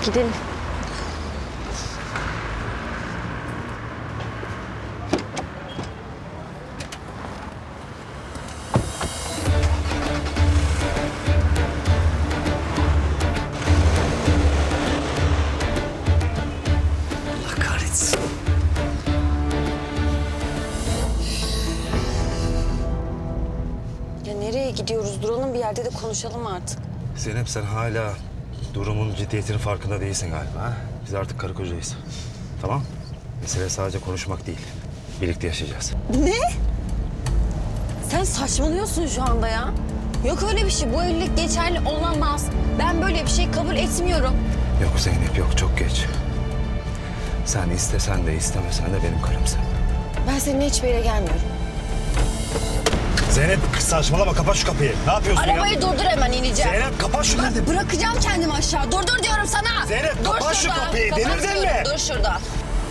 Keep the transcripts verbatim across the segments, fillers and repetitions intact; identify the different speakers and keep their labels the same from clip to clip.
Speaker 1: gidelim.
Speaker 2: Allah kahretsin.
Speaker 1: Ya nereye gidiyoruz? Duralım bir yerde de konuşalım artık.
Speaker 2: Zeynep sen hala durumun ciddiyetinin farkında değilsin galiba. Ha? Biz artık karı kocayız. Tamam? Mesele sadece konuşmak değil. Birlikte yaşayacağız.
Speaker 1: Ne? Sen saçmalıyorsun şu anda ya. Yok öyle bir şey. Bu evlilik geçerli olamaz. Ben böyle bir şey kabul etmiyorum.
Speaker 2: Yok Zeynep yok, çok geç. Sen istesen de istemesen de benim karımsın.
Speaker 1: Ben seninle hiçbir yere gelmiyorum.
Speaker 2: Zeynep saçmalama, kapat şu kapıyı. Ne yapıyorsun
Speaker 1: Arabayı
Speaker 2: ya?
Speaker 1: durdur, hemen ineceğim.
Speaker 2: Zeynep kapat şunu dedim.
Speaker 1: Bırakacağım kendimi aşağı. Durdur diyorum sana.
Speaker 2: Zeynep,
Speaker 1: Dur
Speaker 2: kapat şu
Speaker 1: şurada.
Speaker 2: kapıyı.
Speaker 1: Kapatıyorum.
Speaker 2: Delirdin mi?
Speaker 1: Dur şurada.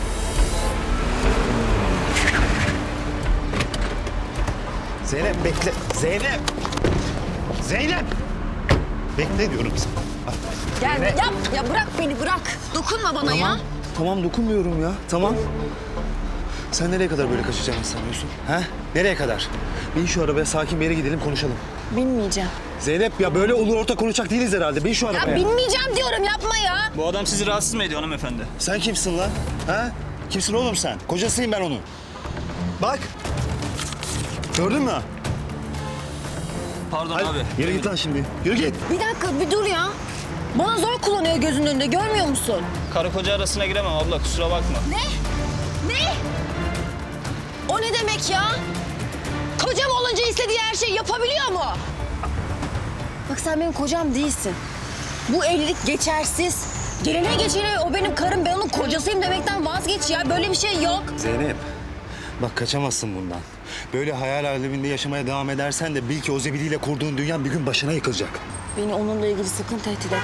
Speaker 2: Zeynep bekle. Zeynep. Zeynep. Bekle diyorum sana.
Speaker 1: Gel
Speaker 2: Zeynep.
Speaker 1: yap. Ya bırak beni, bırak. Dokunma bana ya.
Speaker 2: Tamam dokunmuyorum ya. Tamam. Sen nereye kadar böyle kaçacağını sanıyorsun? Ha? Nereye kadar? Bin şu arabaya, sakin bir yere gidelim, konuşalım.
Speaker 1: Binmeyeceğim.
Speaker 2: Zeynep ya böyle olur orta konuşacak değiliz herhalde. Bin şu arabaya.
Speaker 1: Ya binmeyeceğim diyorum, yapma ya.
Speaker 3: Bu adam sizi rahatsız mı ediyor hanımefendi?
Speaker 2: Sen kimsin lan? Ha? Kimsin oğlum sen? Kocasıyım ben onun. Bak. Gördün mü?
Speaker 3: Pardon
Speaker 2: Hadi,
Speaker 3: abi.
Speaker 2: yürü git lan şimdi. Yürü git.
Speaker 1: Bir dakika, bir dur ya. Bana zor kullanıyor gözünün önünde, görmüyor musun?
Speaker 3: Karı koca arasına giremem abla, kusura bakma.
Speaker 1: Ne? Ne? O ne demek ya? Kocam olunca istediği her şeyi yapabiliyor mu? Bak sen benim kocam değilsin. Bu evlilik geçersiz. Gelene geçene o benim karım, ben onun kocasıyım demekten vazgeç ya. Böyle bir şey yok.
Speaker 2: Zeynep. Bak kaçamazsın bundan. Böyle hayal aleminde yaşamaya devam edersen de bil ki o zebiliyle kurduğun dünya bir gün başına yıkılacak.
Speaker 1: Beni onunla ilgili sakın tehdit etme.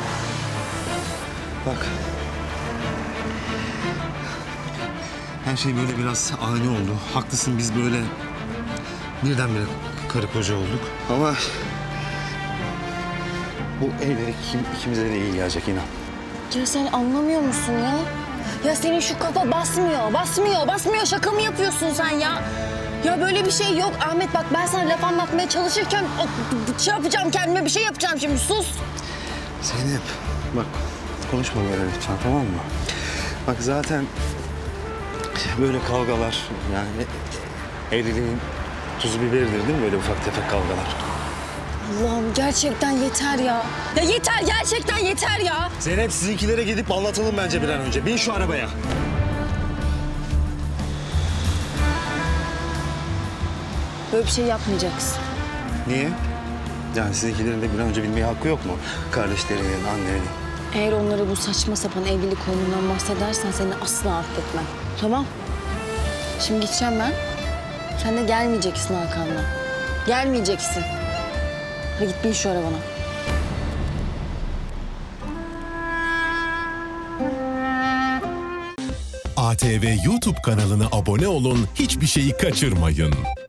Speaker 2: Bak. Her şey böyle biraz ani oldu. Haklısın, biz böyle birdenbire karı koca olduk. Ama bu evlilik kim, ikimize de iyi gelecek inan.
Speaker 1: Ya sen anlamıyor musun ya? Ya senin şu kafa basmıyor, basmıyor, basmıyor. Şaka mı yapıyorsun sen ya? Ya böyle bir şey yok Ahmet, bak ben sana laf anlatmaya çalışırken o- şey yapacağım, kendime bir şey yapacağım şimdi, sus.
Speaker 2: Zeynep bak konuşma böyle lütfen, tamam mı? Bak zaten böyle kavgalar yani evliliğin tuzu biberidir değil mi, böyle ufak tefek kavgalar?
Speaker 1: Allah'ım gerçekten yeter ya. Ya yeter, gerçekten yeter ya.
Speaker 2: Zeynep sizinkilere gidip anlatalım bence bir an önce. Bin şu arabaya.
Speaker 1: Böyle bir şey yapmayacaksın.
Speaker 2: Niye? Yani sizinkilerin de bir an önce bilmeye hakkı yok mu? Kardeşlerinin, annenin.
Speaker 1: Eğer onlara bu saçma sapan evlilik oyunundan bahsedersen seni asla affetmem. Tamam? Şimdi gideceğim ben. Sen de gelmeyeceksin arkamdan. Gelmeyeceksin. Hadi git bin şu arabana.
Speaker 4: A T V YouTube kanalına abone olun, hiçbir şeyi kaçırmayın.